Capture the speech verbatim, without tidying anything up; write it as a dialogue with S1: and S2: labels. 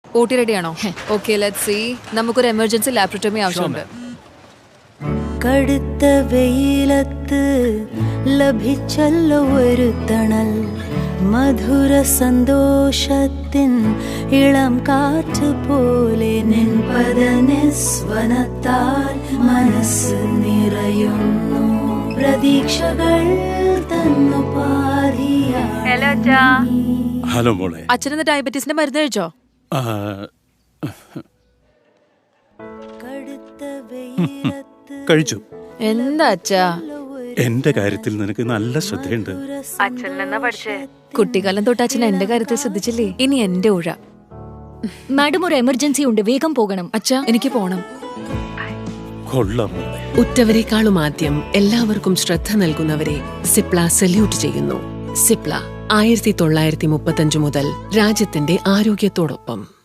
S1: O T ready ആണോ? Okay, let's see. നമുക്കൊരു emergency laparotomy ആവശ്യമുണ്ട്.
S2: കടുത്ത വെയിലത്ത് ലഭിച്ചല്ലോ ഒരു തണൽ, മധുര സന്തോഷത്തിൻ ഇളം കാറ്റ് പോലെ നിൻ പദനിസ്വനത്താൽ മനസ്സ് നിറയുന്നു, പ്രതീക്ഷകൾ തന്നു പാതിയായി.
S3: ഹലോ മോളെ.
S1: അച്ഛനെന്ന് ഡയബറ്റീസിന്റെ മരുന്ന് കഴിച്ചോ?
S3: കഴിച്ചു.
S1: എന്താ അച്ഛാ?
S3: എന്റെ കാര്യത്തിൽ നിനക്ക് നല്ല ശ്രദ്ധയുണ്ട്.
S1: കുട്ടിക്കാലം തൊട്ട് അച്ഛൻ എന്റെ കാര്യത്തിൽ ശ്രദ്ധിച്ചില്ലേ? ഇനി എന്റെ ഊഴ.
S4: മാഡം, ഒരു എമർജൻസി ഉണ്ട്, വേഗം പോകണം.
S1: അച്ഛാ, എനിക്ക് പോണം.
S3: കൊള്ളാം മോളെ.
S5: ഉറ്റവരെക്കാളും ആദ്യം എല്ലാവർക്കും ശ്രദ്ധ നൽകുന്നവരെ സിപ്ല സല്യൂട്ട് ചെയ്യുന്നു. സിപ്ല ആയിരത്തി തൊള്ളായിരത്തി മുപ്പത്തഞ്ചു മുതൽ രാജ്യത്തിന്റെ ആരോഗ്യത്തോടൊപ്പം.